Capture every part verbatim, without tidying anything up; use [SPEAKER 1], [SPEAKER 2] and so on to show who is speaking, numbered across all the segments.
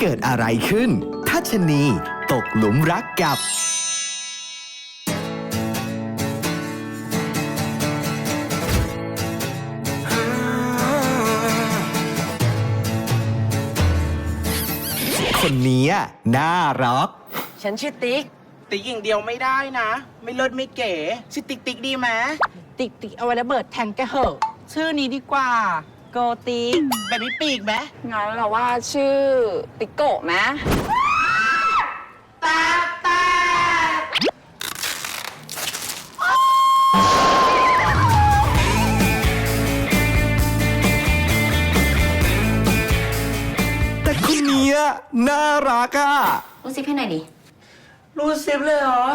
[SPEAKER 1] เกิดอะไรขึ้นถ้าชะนีตกหลุมรักกับคนนี้น่ารัก
[SPEAKER 2] ฉันชื่อติ๊ก
[SPEAKER 3] ติ๊กอย่างเดียวไม่ได้นะไม่เลิศไม่เก๋ชื่อติ๊กติ๊กดีไหม
[SPEAKER 2] ติ๊กติ๊กเอาไว้ระเบิดแทงแกเหอะชื่อนี้ดีกว่าโกติ๊ก
[SPEAKER 3] แบบมีปีกไหม
[SPEAKER 4] งั้นเราว่าชื่อติ๊กโกะไหม
[SPEAKER 3] ตาตา
[SPEAKER 1] แต่คนนี้น่ารักอ่ะ
[SPEAKER 4] รู้ซิให้หน่อยดิ
[SPEAKER 3] รู้ซิปเลยเหรอ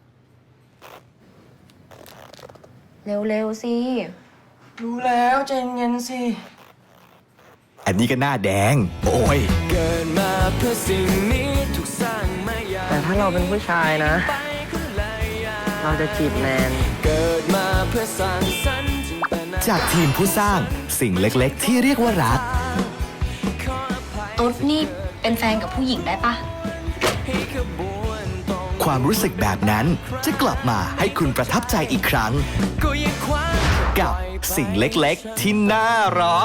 [SPEAKER 4] เร็วๆสิ
[SPEAKER 3] รู้แล้วใจเย็นสิ
[SPEAKER 1] อันนี้ก็หน้าแดงโอ้ยเกิดมาเพื่อสิ่งนี้
[SPEAKER 2] ถูกสร้างมาแต่ถ้าเราเป็นผู้ชายนะเราจะจีบแนนเกิดมาเพื่อสร้างสรรค์
[SPEAKER 1] จากทีมผู้สร้างสิ่งเล็กๆที่เรียกว่ารัก
[SPEAKER 4] ตุ๊ดนี่เป็นแฟนกับผู้หญิงได้ปะ
[SPEAKER 1] ความรู้สึกแบบนั้นจะกลับมาให้คุณประทับใจอีกครั้งกับสิ่งเล็กๆที่น่ารัก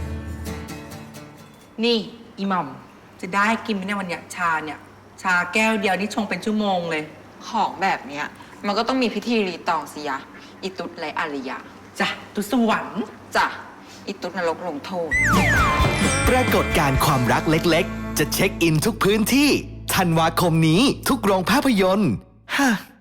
[SPEAKER 2] นี่อีหม่อมจะได้กินไหมเนี่ยวันเนี้ยชาเนี่ยชาแก้วเดียวนี่ชงเป็นชั่วโมงเลย
[SPEAKER 5] ของแบบเนี้ยมันก็ต้องมีพิธีรีตองสิยะอิตุดไรอริยะ
[SPEAKER 2] จ้ะตุสวรรค์
[SPEAKER 5] จ้ะอิตุดนรกลงโทษ
[SPEAKER 1] ปรากฏการณ์ความรักเล็กๆจะเช็คอินทุกพื้นที่ธันวาคมนี้ทุกโรงภาพยนตร์ฮะ